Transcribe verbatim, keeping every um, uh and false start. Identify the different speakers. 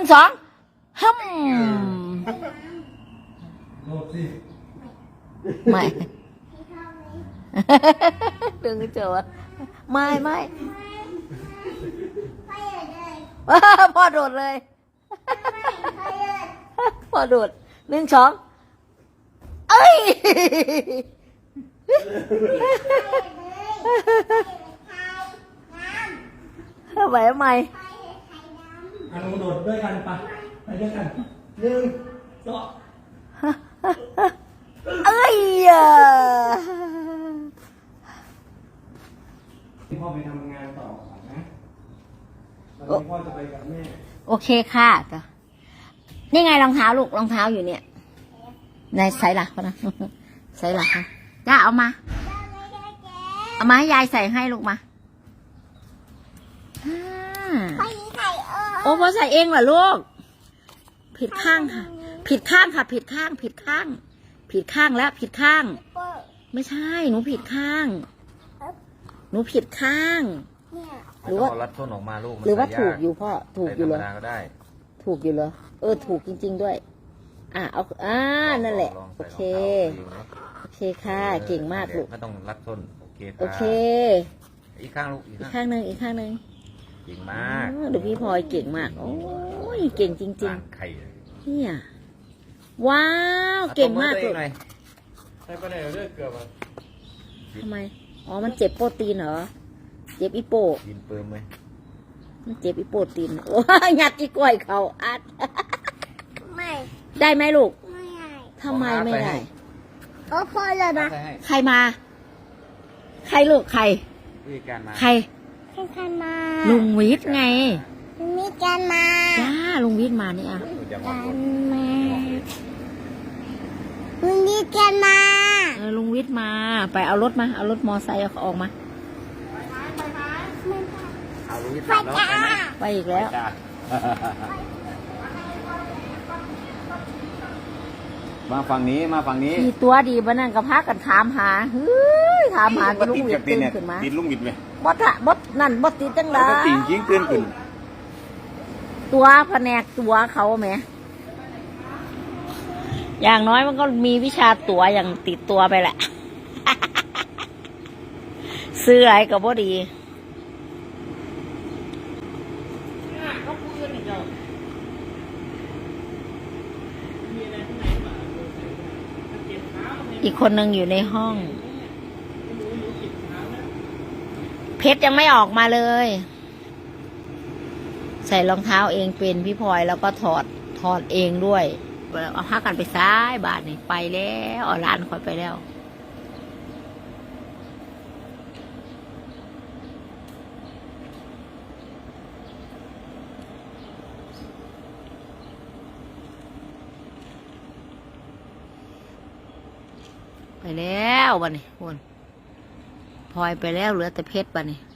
Speaker 1: สองฮึม
Speaker 2: โดดสิ
Speaker 1: ไม่ ดึงเจอไม่ไม่พ่อโดดเลยพ่อโดดหนึ่งสองเอ้ยไหวไหม
Speaker 2: อันนู้นโดดด้วยกันปะไปด้วยกันหนึ่งสอง
Speaker 1: เอ้ย
Speaker 2: พ่อไปทำงานต่อนะตอนนี้พ่อจะไปกับแม่
Speaker 1: โอเคค่ะนี่ไงรองเท้าลูกรองเท้าอยู่เนี่ยในใส่หลักนะใส่หลักค่ะย่าเอามาเอามาให้ยายใส่ให้ลูกมาโอ้พอใส่เองเหรอลูกผิดข้างค่ะผิดข้างค่ะผิดข้างผิดข้างผิดข้างแล้วผิดข้างไม่ใช่หนูผิดข้างหนูผิดข้าง
Speaker 3: หรือว่ารัดส้นออกมาลูก
Speaker 1: หรือว่าถูกอยู่พ่อถูกอยู่เหรอ
Speaker 3: ก็ได้
Speaker 1: ถูกอยู่เหรอเออถูกจริงๆด้วยอ่ะเอาอ่านั่นแหละโอเคโอเคค่ะเก่งมากลูก
Speaker 3: ไม่ต้องรัดส้นโอเค
Speaker 1: โอเค
Speaker 3: อีกข้างลูก
Speaker 1: อีกข้างหนึ่งอีกข้างหนึ่ง
Speaker 3: เก่งมาก
Speaker 1: ดูพี่พลอยเก่งมากโอ้ยเก่งจริงๆเนี่ยว้าวเก่งมากเลย
Speaker 2: ใช่ปะเนี่ยเลือดเกือบอ่ะ
Speaker 1: ทำไมอ๋อมันเจ็บโปรตีนเหรอเจ็บอีโป
Speaker 3: กินเปิมไหม
Speaker 1: มันเจ็บอีโปรตีนโอ้ยยัดอีกล้วยเขาอัดไม่ได้ไหมลูกไม่ได้ทำไมไม่ได้โอ้พ่อเลยนะใครมาใครลูกใครใครใครมาลุงวิทย์ไงลุงวิทย์กันมาจ้าลุงวิทย์มานี่อ่ะกันมาลุงวิทย์กันมาเออลุงวิทย์มาไปเอารถมาเอารถมอไซค์ออกมา
Speaker 3: เอาลุงวิทย์แล้ว
Speaker 1: ไปอีกแล้ว
Speaker 3: มาฝั่งนี้มาฝั่งนี้
Speaker 1: มีตัวดีบ้านั่นกับพากันถามหาเฮ้ยถามหาลุงวิทย์ตื่นขึ้นมา
Speaker 3: ติดลุงวิทย์ไหม
Speaker 1: บดอะบดนั่นบดติดจังเลย
Speaker 3: ติดจริงตื่นขึ้น
Speaker 1: ตัวแผนกตัวเขาไหมอย่างน้อยมันก็มีวิชาตัวอย่างติดตัวไปแหละ ซื้ออะไรก็บ่ดีอีกคนหนึ่งอยู่ในห้องเพชรยังไม่ออกมาเลยใส่รองเท้าเองเป็นพี่พลอยแล้วก็ถอดถอดเองด้วยเอาผ้ากันไปซ้ายบาทนี่ไปแล้วเอาร้านคอยไปแล้วไปแล้วบ้านี่คุณพลอยไปแล้วเหลือแต่เพชรบ้านี่